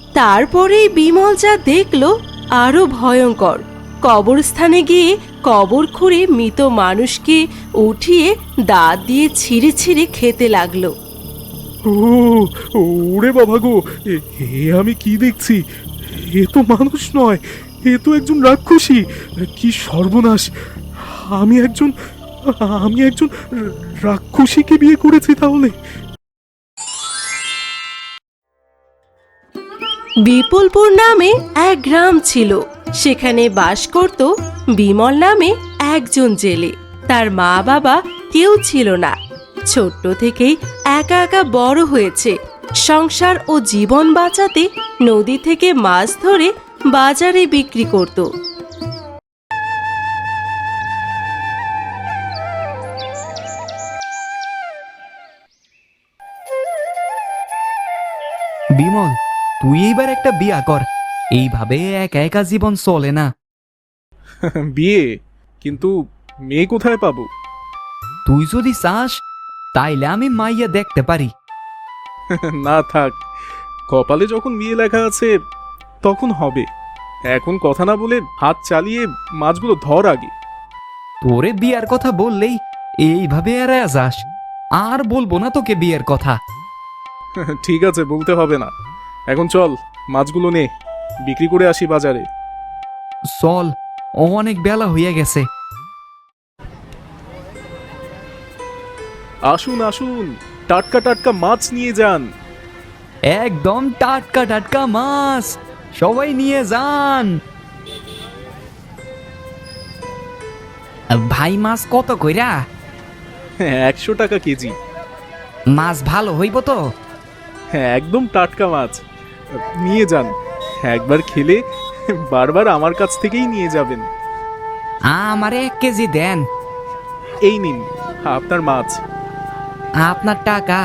তারপরেই বিমল যা দেখল আরো ভয়ঙ্কর। কবরস্থানে গিয়ে কবর খুঁড়ে মৃত মানুষকে উঠিয়ে দাঁত দিয়ে ছিঁড়ে ছিঁড়ে খেতে লাগলো। ও ওরে বাবা গো, এ আমি কি দেখছি? এ তো মানুষ নয়, এ তো একজন রাক্ষসী। কি সর্বনাশ! আমি একজন আমি একজন রাক্ষসীকে বিয়ে করেছি তাহলে। বিপুলপুর নামে এক গ্রাম ছিল। সেখানে বাস করত বিমল নামে একজন জেলে। তার মা বাবা কেউ ছিল না। ছোট্ট থেকেই একা একা বড় হয়েছে। সংসার ও জীবন বাঁচাতে নদী থেকে মাছ ধরে বাজারে বিক্রি করত। বিমল, তুই এইবার একটা বিয়া কর। এইভাবে একা একা জীবন চলে না। বিয়ে? কিন্তু মেয়ে কোথায় পাবো? তুই যদি চাস তাইলে আমি মাইয়া দেখতে পারি। না থাক, কপালে যখন বিয়ে লেখা আছে তখন হবে। এখন কথা না বলে হাত চালিয়ে মাছগুলো ধর আগে। তোরে বিয়ার কথা বললেই এইভাবে এড়ায়া যাস। আর বলবো না তোকে বিয়ের কথা। ঠিক আছে, বলতে হবে না। এখন চল, মাছগুলো নে, বিক্রি করে আসি বাজারে। চল, অনেক বেলা হইয়া গেছে। আসুন আসুন, টাটকা টাটকা মাছ নিয়ে যান। একদম টাটকা টাটকা মাছ, সবাই নিয়ে যান। ভাই, মাছ কত কইরা? 100 টাকা কেজি। মাছ ভালো হইব তো? হ্যাঁ, একদম টাটকা মাছ। নিয়ে যান, একবার খেলে বারবার আমার কাছ থেকেই নিয়ে যাবেন। আমারে 1 কেজি দেন। এই নিন আপনার মাছ। আপনার টাকা।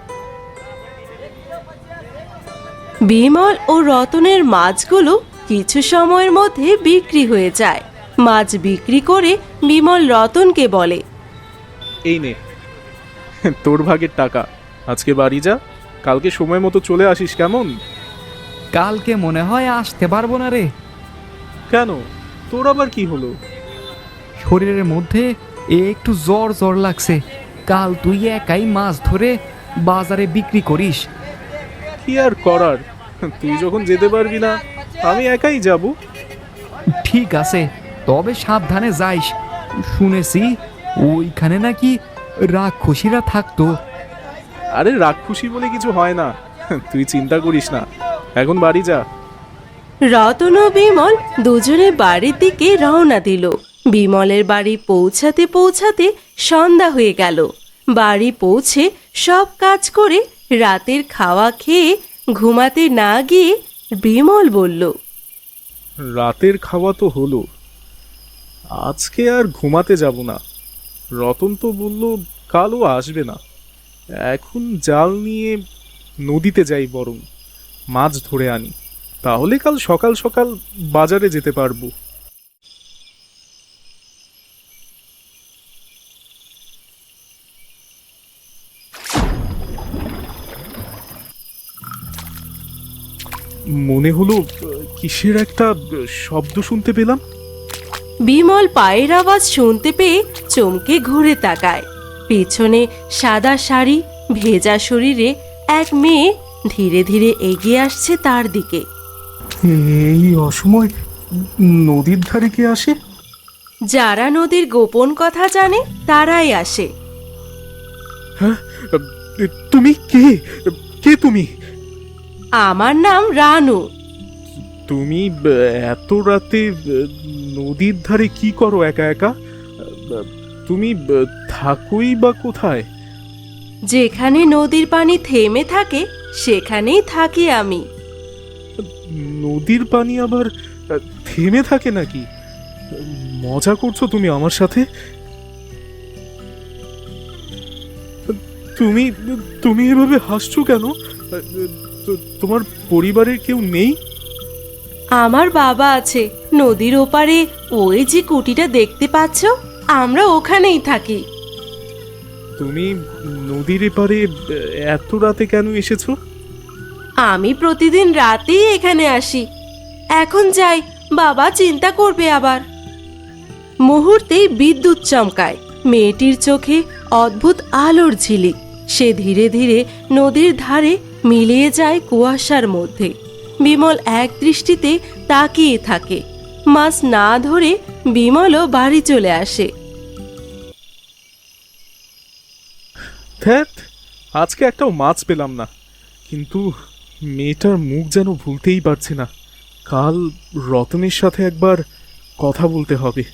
বিমল ও রতনের মাছগুলো কিছু সময়ের মধ্যে বিক্রি হয়ে যায়। মাছ বিক্রি করে বিমল রতনকে বলে, এই নে তোর ভাগের টাকা। আজকে বাড়ি যা, কালকে সময় মতো চলে আসিস, কেমন? কালকে মনে হয় আসতে পারবো না রে। কেন, তোর আবার কি হলো? শরীরের মধ্যে একটু জ্বর জ্বর লাগছে। কাল তুই একাই মাছ ধরে বাজারে বিক্রি করিস। কি আর করার, তুই যখন যেতে পারবি না আমি একাই যাব। ঠিক আছে, তবে সাবধানে যাইস। শুনেছি ওইখানে নাকি রাক্ষসীরা থাকতো। আরে রাক্ষসী বলে কিছু হয় না, তুই চিন্তা করিস না। এখন বাড়ি যা। রতন ও বিমল দুজনে বাড়ির দিকে রওনা দিল। বিমলের বাড়ি পৌঁছাতে পৌঁছাতে সন্ধ্যা হয়ে গেল। বাড়ি পৌঁছে সব কাজ করে রাতের খাওয়া খেয়ে ঘুমাতে না গিয়ে বিমল বলল, রাতের খাওয়া তো হলো, আজকে আর ঘুমাতে যাব না। রতন তো বলল কালও আসবে না। এখন জাল নিয়ে নদীতে যাই, বরং মাছ ধরে আনি, তাহলে কাল সকাল সকাল বাজারে যেতে পারবো। মনে হলো কিসের একটা শব্দ শুনতে পেলাম। বিমল পায়ের আওয়াজ শুনতে পেয়ে চমকে ঘুরে তাকায়। পেছনে সাদা শাড়ি, ভেজা শরীরে এক মেয়ে ধীরে ধীরে এগিয়ে আসছে তার দিকে। এই অসময় নদীর ধারে কে আসে? যারা নদীর গোপন কথা জানে তারাই আসে। হ্যাঁ, তুমি কে? কে তুমি? আমার নাম রানু। তুমি এত রাতে নদীর ধারে কি করো একা একা? তুমি থাকোই বা কোথায়? যেখানে নদীর পানি থেমে থাকে সেখানেই থাকি আমি। নদীর পানি আবার থেমে থাকে নাকি? মজা করছো তুমি আমার সাথে? তুমি তুমি এভাবে হাসছো কেন? তোমার পরিবারের কেউ নেই? আমার বাবা আছে নদীর ওপারে, ওই যে কুটিটা দেখতে পাচ্ছ, আমরা ওখানেই থাকি। তুমি নদীর এপারে এত রাতে কেন এসেছো? আমি প্রতিদিন রাতেই এখানে আসি। এখন যাই, বাবা চিন্তা করবে আবার। মুহূর্তেই বিদ্যুৎ চমকায়। মেয়েটির চোখে অদ্ভুত আলোর ঝিলিক। সে ধীরে ধীরে নদীর ধারে মিলিয়ে যায় কুয়াশার মধ্যে। বিমল এক দৃষ্টিতে তাকিয়ে থাকে। মাছ না ধরে বিমলও বাড়ি চলে আসে। ধ্যাত, আজকে একটাও মাছ পেলাম না। কিন্তু মেয়েটার মুখ যেন ভুলতেই পারছি না। কাল রতনের সাথে একবার কথা বলতে হবে।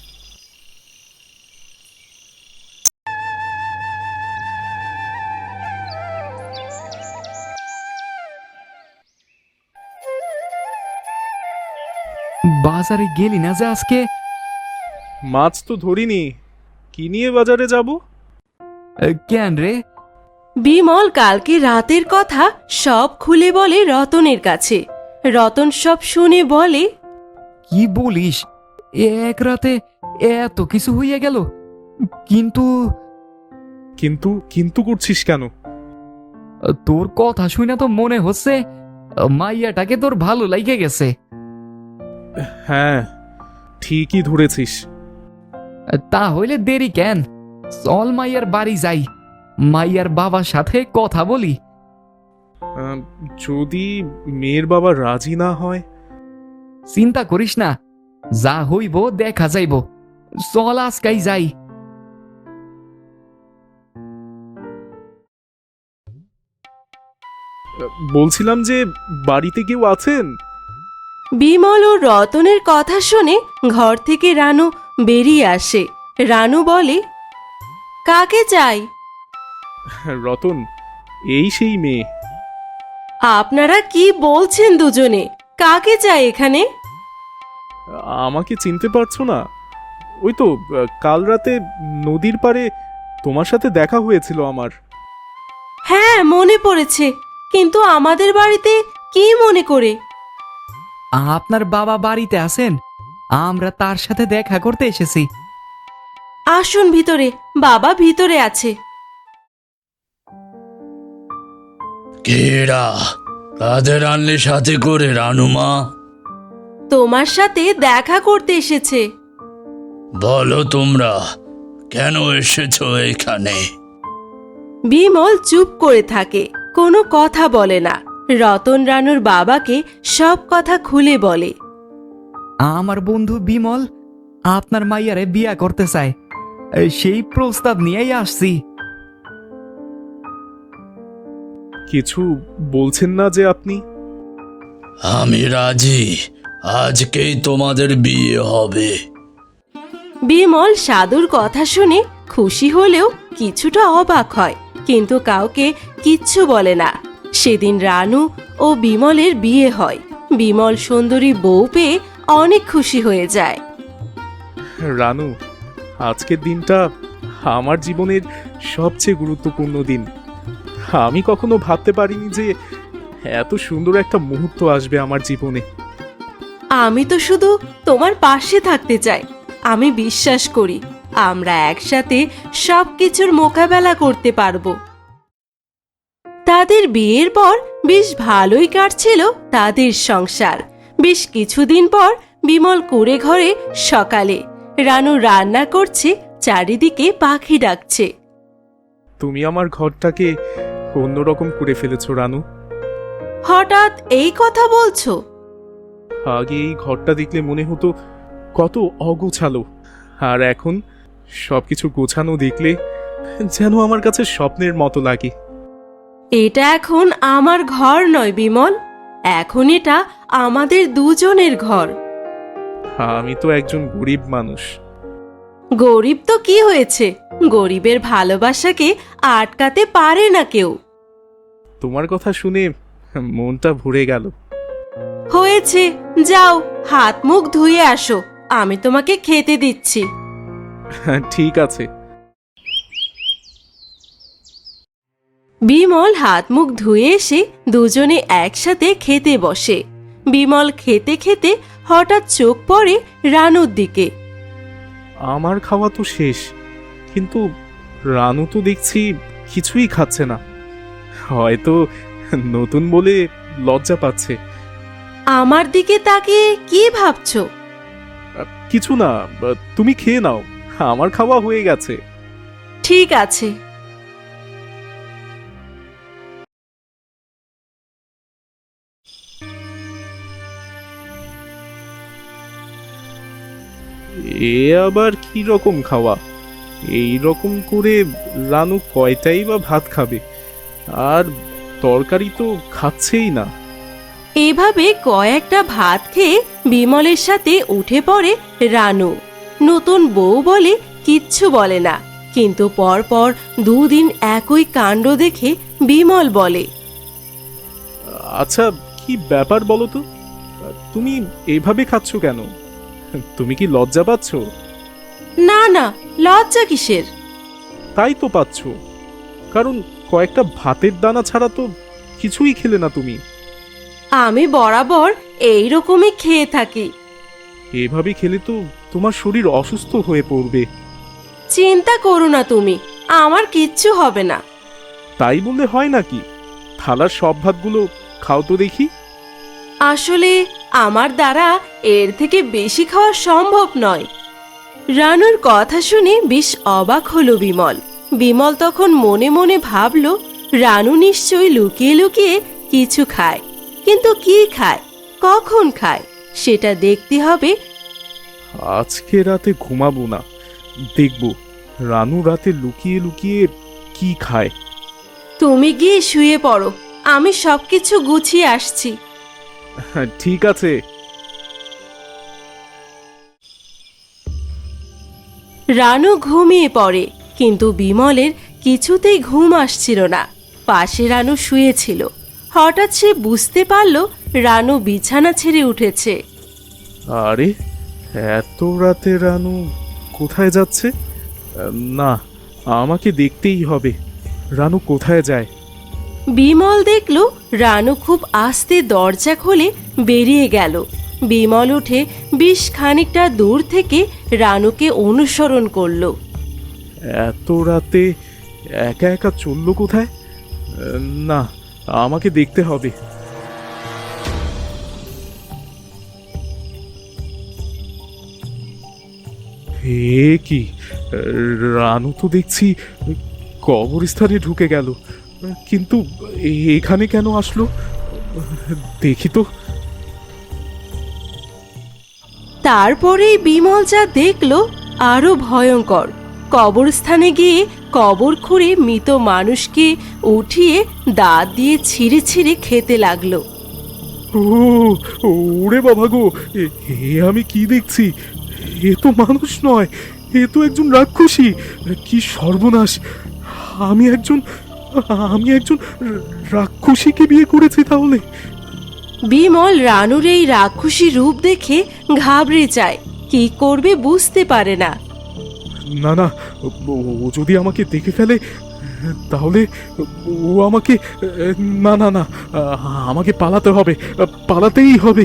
বাজারে গেলি না যে আজকে? মাছ তো ধরিনি, কি নিয়ে বাজারে যাব? কেন রে? বিমল কালকে রাতের কথা সব খুলে বলে রতনের কাছে। রতন সব শুনে বলে, কি বলিস? এক রাতে এত কিছু হইয়া গেল? কিন্তু কিন্তু কিন্তু করছিস কেন? তোর কথা শুনে তো মনে হচ্ছে মাইয়াটাকে তোর ভালো লাগে গেছে। হ্যাঁ, ঠিকই ধরেছিস। তাহলে দেরি কেন? চল মাইয়ার বাড়ি যাই, মাইয়ার বাবার সাথে কথা বলি। যদি মেয়ের বাবা রাজি না হয়? চিন্তা করিস না, যা হইব দেখা যাইব। চল আজকাই যাই। বলছিলাম যে বাড়িতে কেউ আছেন? বিমল ও রতনের কথা শুনে ঘর থেকে রানু বেরিয়ে আসে। রানু বলে, কাকে চাই? রতন, এই সেই মেয়ে। আপনারা কি বলছেন দুজনে? কাকে চাই এখানে? আমাকে চিনতে পারছো না? ওই তো কাল রাতে নদীর পাড়ে তোমার সাথে দেখা হয়েছিল আমার। হ্যাঁ, মনে পড়েছে, কিন্তু আমাদের বাড়িতে কি মনে করে? আপনার বাবা বাড়িতে আছেন? আমরা তার সাথে দেখা করতে এসেছি। আসুন ভিতরে, বাবা ভিতরে আছে। কেরা কাদের আনলে সাথে করে রানুমা? তোমার সাথে দেখা করতে এসেছে। বলো তোমরা কেন এসেছো এখানে? বিমল চুপ করে থাকে, কোনো কথা বলে না। রতন রানুর বাবাকে সব কথা খুলে বলে। আমার বন্ধু বিমল আপনার মাইয়ারে বিয়া করতে চায়, সেই প্রস্তাব নিয়েই আসছি। কিছু বলছেন না যে আপনি? আমি রাজি, আজকেই তোমাদের বিয়ে হবে। বিমল সাধুর কথা শুনে খুশি হলেও কিছুটা অবাক হয়, কিন্তু কাউকে কিচ্ছু বলে না। সেদিন রানু ও বিমলের বিয়ে হয়। বিমল সুন্দরী বউ পেয়ে অনেক খুশি হয়ে যায়। রানু, আজকের দিনটা আমার জীবনের সবচেয়ে গুরুত্বপূর্ণ দিন। আমি কখনো ভাবতে পারিনি যে এত সুন্দর একটা মুহূর্ত আসবে আমার জীবনে। আমি তো শুধু তোমার পাশে থাকতে চাই। আমি বিশ্বাস করি আমরা একসাথে সবকিছুর মোকাবেলা করতে পারবো। তাদের বিয়ের পর বেশ ভালোই কাটছিল তাদের সংসার। বেশ কিছুদিন পর বিমল কুঁড়ে ঘরে সকালে রানু রান্না করছে, চারিদিকে পাখি ডাকছে। তুমি আমার ঘরটাকে অন্যরকম করে ফেলেছো রানু। হঠাৎ এই কথা বলছো? আগে এই ঘরটা দেখলে মনে হতো কত অগোছালো, আর এখন সবকিছু গোছানো দেখলে যেন আমার কাছে স্বপ্নের মতো লাগে। এটা এখন আমার ঘর নয় বিমল, এখন এটা আমাদের দুজনের ঘর। আমি তো একজন গরিব মানুষ। গরিব তো কি হয়েছে, গরিবের ভালোবাসাকে আটকাতে পারে না কেউ। তোমার কথা শুনে মনটা ভরে গেল। হয়েছে, যাও হাত মুখ ধুয়ে আসো, আমি তোমাকে খেতে দিচ্ছি। ঠিক আছে। বিমল হাত মুখ ধুয়ে এসে দুজনে একসাথে খেতে বসে। বিমল খেতে খেতে হঠাৎ চোখ পড়ে রানুর দিকে। আমার খাওয়া তো শেষ, কিন্তু রানু তো দেখছি কিছুই খাচ্ছে না। হয়তো নতুন বলে লজ্জা পাচ্ছে। আমার দিকে তাকিয়ে কি ভাবছো? কিছু না, তুমি খেয়ে নাও, আমার খাওয়া হয়ে গেছে। ঠিক আছে। এ আবার কি রকম খাওয়া? এই রকম করে রানু কয়টাই বা ভাত খাবে? আর তরকারি তো খাচ্ছেই না। এভাবে কয়েকটা ভাত খেয়ে বিমলের সাথে উঠে পড়ে রানু। নতুন বউ বলে কিচ্ছু বলে না, কিন্তু পরপর দুদিন একই কাণ্ড দেখে বিমল বলে, আচ্ছা, কি ব্যাপার বলো তো? তুমি এভাবে খাচ্ছ কেন? তুমি কি লজ্জা পাচ্ছ? না না, লজ্জা কিসের? তাই তো পাচ্ছ, কারণ কয়েকটা ভাতের দানা ছাড়া তো কিছুই খেলে না তুমি। আমি বরাবর এই রকমই খেয়ে থাকি। এভাবে খেলে তো তোমার শরীর অসুস্থ হয়ে পড়বে। চিন্তা করো না তুমি, আমার কিচ্ছু হবে না। তাই বললে হয় নাকি? থালার সব ভাতগুলো খাও তো দেখি। আসলে আমার দ্বারা এর থেকে বেশি খাওয়া সম্ভব নয়। রানুর কথা শুনে বেশ অবাক হলো বিমল। বিমল তখন মনে মনে ভাবল, রানু নিশ্চয়ই লুকিয়ে লুকিয়ে কিছু খায়, কিন্তু কি খায়, কখন খায় সেটা দেখতে হবে। আজকে রাতে ঘুমাবো না, দেখব রানু রাতে লুকিয়ে লুকিয়ে কি খায়। তুমি গিয়ে শুয়ে পড়ো, আমি সবকিছু গুছিয়ে আসছি। ঠিক আছে। রানু ঘুমিয়ে পড়ে, কিন্তু বিমলের কিছুতেই ঘুম আসছিল না। পাশে রানু শুয়েছিল। হঠাৎ সে বুঝতে পারল রানু বিছানা ছেড়ে উঠেছে। আরে, এত রাতে রানু কোথায় যাচ্ছে? না, আমাকে দেখতেই হবে রানু কোথায় যায়। বিমল দেখল রানু খুব আস্তে দরজা খুলে বেরিয়ে গেল। বিমল উঠে বেশ খানিকটা দূর থেকে রানুকে অনুসরণ করলো। এত রাতে একা একা চললো কোথায়? না, আমাকে দেখতে হবে। এ কি, রানু তো দেখছি কবরস্থানে ঢুকে গেল, কিন্তু এখানে কেন আসলো? দেখি তো। তারপরেই বিমল যা দেখল আরো ভয়ঙ্কর। কবরস্থানে গিয়ে কবর খুঁড়ে মৃত মানুষকে উঠিয়ে দাঁত দিয়ে ছিঁড়ে ছিঁড়ে খেতে লাগলো। ও, ওরে বাবা গো, এ আমি কি দেখছি? এ তো মানুষ নয়, এ তো একজন রাক্ষসী। কি সর্বনাশ! আমি একজন রাক্ষসীকে বিয়ে করেছি তাহলে। বিমল রানুর এই রাক্ষসী রূপ দেখে ঘাবড়ে যায়, কি করবে বুঝতে পারে না। না না, ও যদি আমাকে দেখে ফেলে তাহলে ও আমাকে, না না না, আমাকে পালাতে হবে, পালাতেই হবে।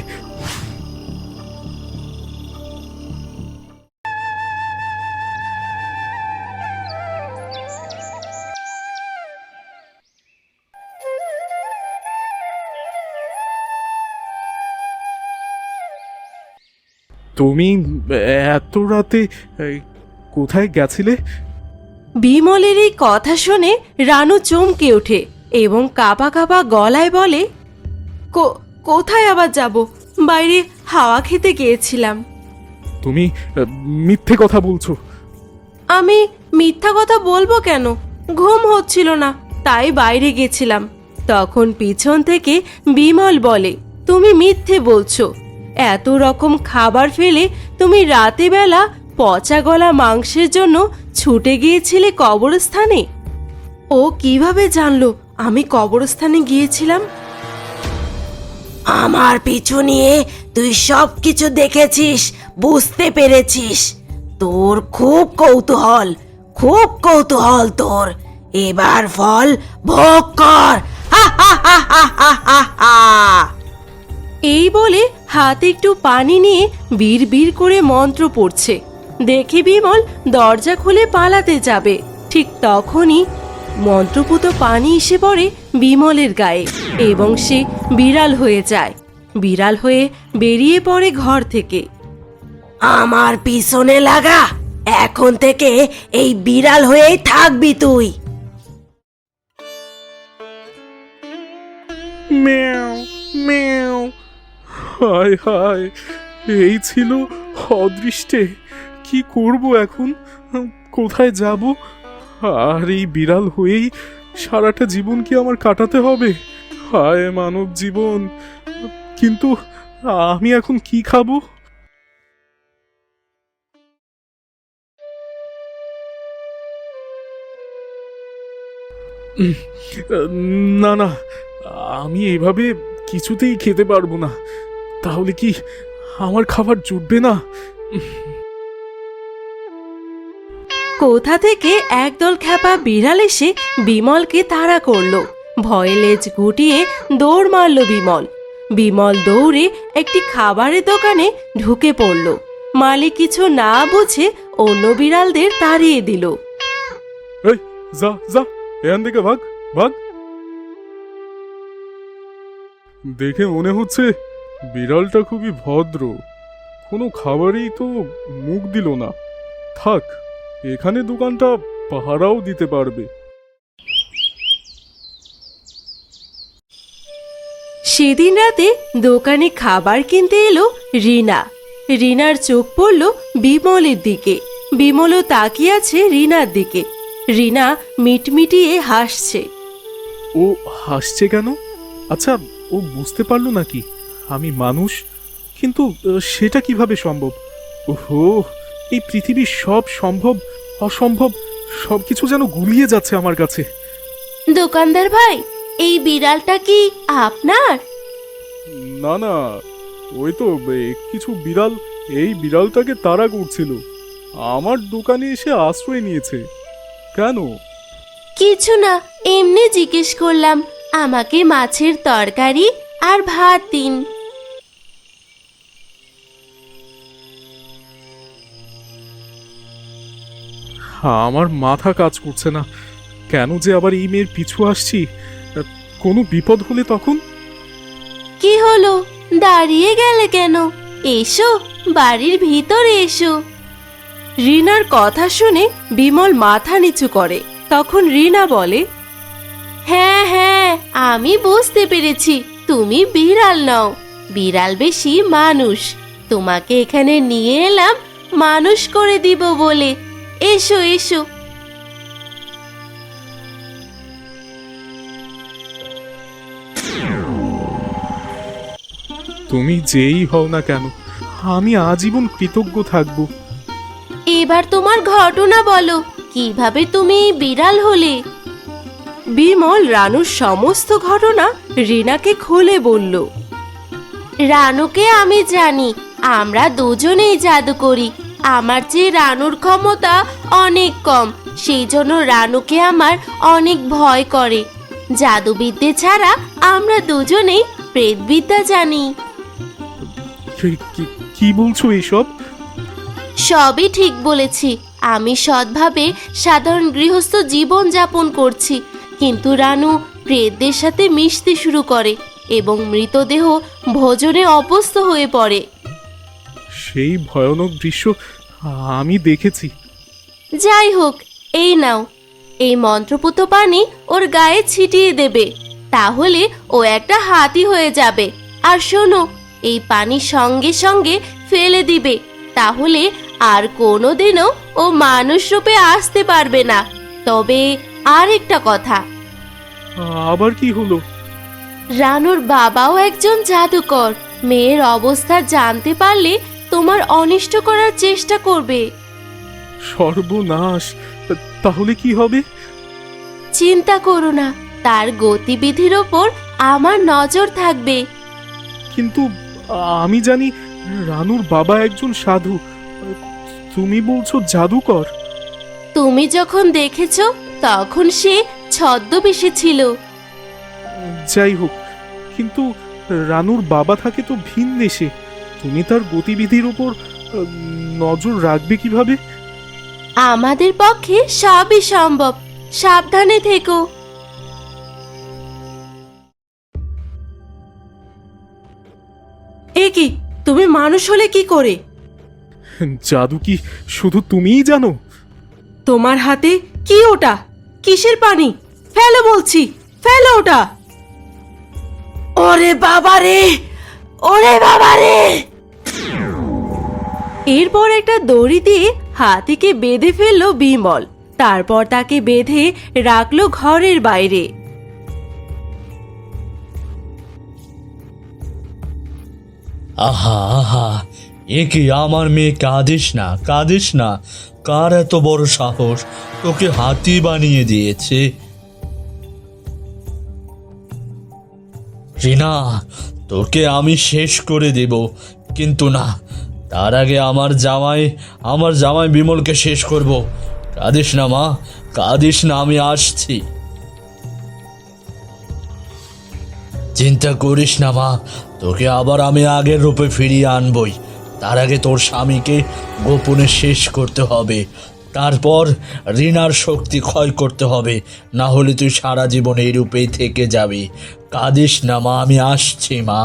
তুমি এত রাতে কোথায় গেছিলে? বিমলের এই কথা শুনে রানু চমকে ওঠে এবং কাঁপা কাঁপা গলায় বলে, কোথায় আবার যাব? বাইরে হাওয়া খেতে গিয়েছিলাম। তুমি মিথ্যে কথা বলছো। আমি মিথ্যা কথা বলবো কেন? ঘুম হচ্ছিল না, তাই বাইরে গেছিলাম। তখন পিছন থেকে বিমল বলে, তুমি মিথ্যে বলছো। এত রকম খাবার ফেলে তুমি রাতে বেলা পচা গলা মাংসের জন্য ছুটে গিয়েছিলে কবরস্থানে। ও কিভাবে জানলো আমি কবরস্থানে গিয়েছিলাম? আমার পিছু নিয়ে তুই সব কিছু দেখেছিস, বুঝতে পেরেছিস। তোর খুব কৌতূহল তোর। এবার ফল ভোগ কর। এই বলে হাতে একটু পানি নিয়ে বিড় করে মন্ত্র পড়ছে। দেখে বিমল দরজা খুলে পালাতে যাবে, ঠিক তখনই মন্ত্রপুত পানি এসে পড়ে বিমলের গায়ে এবং সে বিড়াল হয়ে যায়। বিড়াল হয়ে বেরিয়ে পড়ে ঘর থেকে। আমার পিছনে লাগা, এখন থেকে এই বিড়াল হয়েই থাকবি তুই। ম্যাও ম্যাও। হায় হায়, এই ছিল অদৃষ্টে। কি করব এখন? কোথায় যাব? আর এই বিড়াল হয়েই সারাটা জীবন কি আমার কাটাতে হবে? হায় মানব জীবন! কিন্তু আমি এখন কি খাবো? না না, আমি এভাবে কিছুতেই খেতে পারবো না। তাহলে কি আমার খাবার জুটবে না? কোথা থেকে একদল খ্যাপা বিড়াল এসে বিমলকে তাড়া করলো। ভয়ে লেজ গুটিয়ে দৌড় মারল বিমল। বিমল দৌড়ে একটি খাবারের দোকানে ঢুকে পড়ল। মালিক কিছু না বুঝে অন্য বিড়ালদের তাড়িয়ে দিল। এই যা যা, এখান থেকে ভাগ ভাগ। দেখে মনে হচ্ছে বিড়ালটা খুবই ভদ্র, কোনো খাবারেই তো মুখ দিল না। থাক, এখানে দোকানটা পাহারাও দিতে পারবে। সেদিন রাতে দোকানে খাবার কিনতে এলো রিনা। রিনার চোখ পড়ল বিমলের দিকে। বিমলও তাকিয়ে আছে রিনার দিকে। রিনা মিটমিটিয়ে হাসছে। ও হাসছে কেন? আচ্ছা, ও বুঝতে পারলো নাকি আমি মানুষ? কিন্তু সেটা কিভাবে সম্ভব? ওহো, এই পৃথিবীর সব সম্ভব অসম্ভব সবকিছু যেন গুলিয়ে যাচ্ছে আমার কাছে। দোকানদার ভাই, এই বিড়ালটা কি আপনার? না না, ওই তো কিছু বিড়াল এই বিড়ালটাকে তাড়া করছিল, আমার দোকানে এসে আশ্রয় নিয়েছে। কেন? কিছু না, এমনি জিজ্ঞেস করলাম। আমাকে মাছের তরকারি আর ভাত দিন। আমার মাথা কাজ করছে না, কেন যে আবার এই মেয়ের পিছু আসছি? কোনো বিপদ হলে তখন? কি হলো, দাঁড়িয়ে গেলে কেন? এসো, বাড়ির ভিতরে এসো। রিনার কথা শুনে বিমল মাথা নিচু করে। তখন রিনা বলে, হ্যাঁ হ্যাঁ, আমি বুঝতে পেরেছি তুমি বিড়াল নও, বিড়াল বেশি মানুষ। তোমাকে এখানে নিয়ে এলাম মানুষ করে দিব বলে। এসো এসো। তুমি যেই হও না কেন, আমি আজীবন কৃতজ্ঞ থাকব। এবার তোমার ঘটনা বলো, কিভাবে তুমি বিড়াল হলে? বিমল রানুর সমস্ত ঘটনা রিনাকে খুলে বলল। রানুকে আমি জানি, আমরা দুজনেই জাদু করি। আমার চেয়ে রানুর ক্ষমতা অনেক কম, সেই জন্য রানুকে আমার অনেক ভয় করে। জাদুবিদ্যে ছাড়া আমরা দুজনেই প্রেতবিদ্যা জানি। কি বলছো এসব? সবই ঠিক বলেছি। আমি সৎভাবে সাধারণ গৃহস্থ জীবন যাপন করছি, কিন্তু রানু প্রেতদের সাথে মিশতে শুরু করে এবং মৃতদেহ ভোজনে অভ্যস্ত হয়ে পড়ে। সেই ভয়ানক দৃশ্য আমি দেখেছি। যাই হোক, এই নাও, এই মন্ত্রপুত পানি ওর গায়ে ছিটিয়ে দেবে, তাহলে ও একটা হাতি হয়ে যাবে। আর শোনো, এই পানি সঙ্গে সঙ্গে ফেলে দিবে, তাহলে আর কোনোদিনও ও মানুষ রূপে আসতে পারবে না। তবে আর একটা কথা। আবার কি হলো? রানুর বাবাও একজন জাদুকর। মেয়ের অবস্থা জানতে পারলে তোমার অনিষ্ট করার চেষ্টা করবে। সর্বনাশ! তাহলে কি হবে? চিন্তা করো না, তার গতিবিধির ওপর আমার নজর থাকবে। কিন্তু আমি জানি রানুর বাবা একজন সাধু, তুমি বলছো জাদুকর? তুমি যখন দেখেছ তখন সে ছদ্মবেশে ছিল। যাই হোক, কিন্তু রানুর বাবা থাকে তো ভিন দেশে, তুমি তার গতিবিধির উপর নজর রাখবে কিভাবে? আমাদের পক্ষে সবই সম্ভব। সাবধানে থেকো। এ কি, তুমি মানুষ হলে কি করে? জাদু কি শুধু তুমিই জানো? তোমার হাতে কি ওটা? কিসের পানি? ফেলো বলছি, ফেলো ওটা। ওরে বাবা রে, ওরে বাবা রে! এরপর একটা দড়ি দিয়ে হাতিকে বেঁধে ফেললো বিমল। তারপর তাকে বেঁধে রাখলো ঘরের বাইরে। আহা আহা, এ কি আমার মেয়ে, কাঁদিস না কাঁদিস না। কার এত বড় সাহস তোকে হাতি বানিয়ে দিয়েছে? রিনা, তোকে আমি শেষ করে দেব, কিন্তু না, তার আগে আমার জামাই বিমলকে শেষ করব। কাঁদিস না মা, কাঁদিস না, আমি আসছি। চিন্তা করিস না মা, তোকে আবার আমি আগের রূপে ফিরিয়ে আনবই। তার আগে তোর স্বামীকে গোপনে শেষ করতে হবে, তারপর রিনার শক্তি ক্ষয় করতে হবে, না হলে তুই সারা জীবন এই রূপেই থেকে যাবি। কাঁদিস না মা, আমি আসছি মা।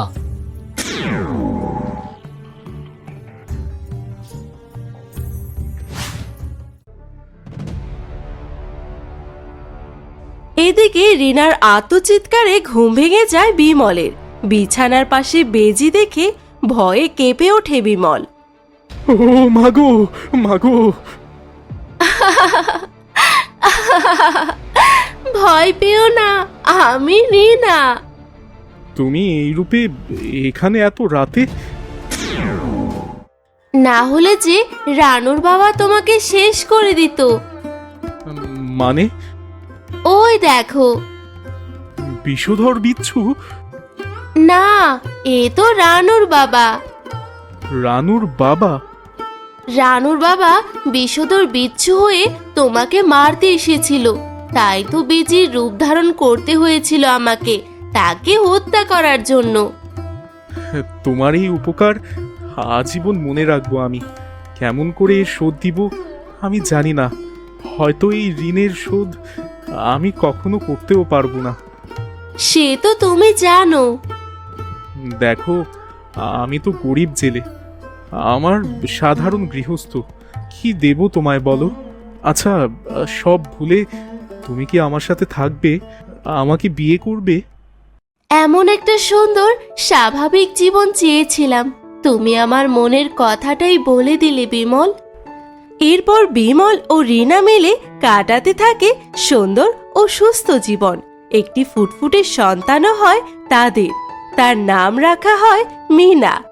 এদিকে রিনার আত্মচিৎকারে ঘুম ভেঙে যায় বিমলের। বিছানার পাশে বেজি দেখে ভয়ে কেঁপে ওঠে বিমল। ও মাগো, মাগো! ভয় পেও না, আমি রিনা। তুমি এই রূপে এখানে এত রাতে? না হলে যে রানুর বাবা তোমাকে শেষ করে দিত। মানে? ওই দেখো। বিষধর বিচ্ছু? না, এ তো রানুর বাবা। রানুর বাবা? রানুর বাবা বিষধর বিচ্ছু হয়ে তোমাকে মারতে এসেছিল, তাই তো বেজির রূপ ধারণ করতে হয়েছিল আমাকে, তাকে হত্যা করার জন্য। তোমার এই উপকার আজীবন মনে রাখবো আমি। কেমন করে এর শোধ দিব আমি জানি না। হয়তো এই ঋণের শোধ আমি কখনো করতেও পারবো না। সে তো তুমি জানো। দেখো, আমি তো গরিব জেলে, আমার সাধারণ গৃহস্থ। কি দেব তোমায় বলো? আচ্ছা, সব ভুলে তুমি কি আমার সাথে থাকবে? আমাকে বিয়ে করবে? এমন একটা সুন্দর স্বাভাবিক জীবন চেয়েছিলাম, তুমি আমার মনের কথাটাই বলে দিলে বিমল। এরপর বিমল ও রিনা মিলে কাটাতে থাকে সুন্দর ও সুস্থ জীবন। একটি ফুটফুটে সন্তানও হয় তাদের। তার নাম রাখা হয় মিনা।